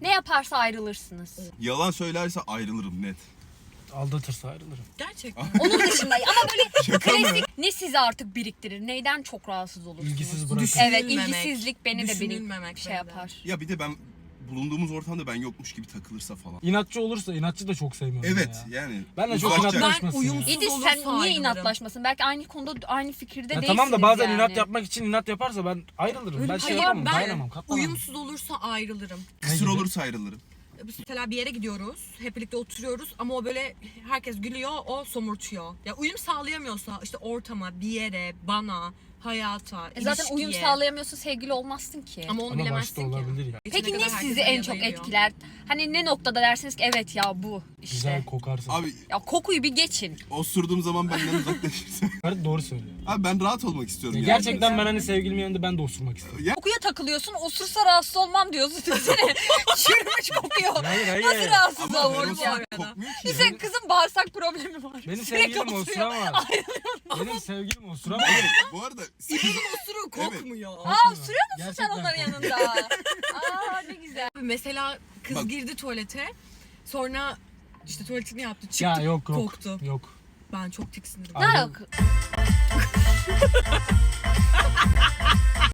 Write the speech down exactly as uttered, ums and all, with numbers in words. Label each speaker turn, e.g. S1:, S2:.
S1: Ne yaparsa ayrılırsınız.
S2: Yalan söylerse ayrılırım net.
S3: Aldatırsa ayrılırım.
S4: Gerçekten.
S1: Onun dışında ama böyle
S2: Şaka mı?
S1: klasik ne sizi artık biriktirir? Neyden çok rahatsız olursunuz?
S3: İlgisiz bırakın.
S1: Evet,
S4: Düşünülmemek,
S1: ilgisizlik beni de beni
S4: düşünülmemek
S1: şey
S4: beni de.
S1: yapar.
S2: Ya bir de ben bulunduğumuz ortamda ben yokmuş gibi takılırsa falan.
S3: İnatçı olursa inatçı da çok sevmiyorum
S2: Evet
S3: ya.
S2: yani.
S3: Ben de çok
S2: uzakça-
S3: inatlaşmasın
S4: Ben
S3: ya.
S4: uyumsuz-
S1: İdis
S4: olursa
S1: sen niye
S4: ayrılırım.
S1: inatlaşmasın? Belki aynı konuda aynı fikirde
S3: Ya
S1: değilsiniz
S3: tamam da bazen
S1: yani.
S3: inat yapmak için inat yaparsa ben ayrılırım.
S1: Öyle
S3: ben
S1: bir
S3: şey
S1: şey
S3: yapamam,
S4: ben
S3: dayanamam, katlanamam.
S4: uyumsuz olursa ayrılırım.
S2: Kısır
S3: gibi?
S2: olursa ayrılırım.
S4: Mesela bir yere gidiyoruz, hep birlikte oturuyoruz ama o böyle herkes gülüyor, o somurtuyor. Ya uyum sağlayamıyorsa işte ortama, bir yere, bana, hayata,
S1: E zaten
S4: ilişkiye.
S1: uyum sağlayamıyorsun, sevgili olmazsın ki.
S4: Ama onu
S3: Ama
S4: bilemezsin
S3: başta
S4: ki.
S3: olabilir ya.
S4: Geçene
S1: Peki
S4: kadar
S1: ne
S4: herkes
S1: sizi en
S4: yanına
S1: çok
S4: geliyor.
S1: etkiler? Hani ne noktada dersiniz ki evet ya bu işte.
S3: Güzel kokarsın.
S2: Abi
S1: Ya kokuyu bir geçin.
S2: osurduğum zaman benden uzaklaşırsa.
S3: Evet, doğru söylüyor.
S2: Abi ben rahat olmak istiyorum.
S3: Ya
S2: yani.
S3: gerçekten ben hani sevgilimin yanında ben de osurmak istiyorum.
S2: Ya,
S1: Kokuya takılıyorsun, osursa rahatsız olmam diyorsun. Düşünsene çürümüş kokuyor.
S3: Hayır hayır.
S1: Nasıl rahatsız
S2: ama ben
S1: olur bu
S2: osurup
S1: arada?
S2: kokmuyor ki.
S1: Senin kızın bağırsak problemi var.
S3: Benim
S1: Sürekli
S3: sevgilim
S1: osuruyor.
S3: osuramaz. Benim sevgilim osuramaz.
S2: Evet, bu arada
S4: İbinin osuru kokmuyor.
S1: Aa sürüyor musun sen
S3: Gerçekten
S1: onların
S3: kokmuyor.
S1: yanında? Aa ne güzel.
S4: Mesela kız
S2: Bak.
S4: girdi tuvalete, sonra işte tuvaletini yaptı, çıktı,
S3: Ya yok yok.
S4: koktu.
S3: Yok.
S4: Ben çok tiksindim.
S1: Ne
S3: Ayrıl-
S1: alaka?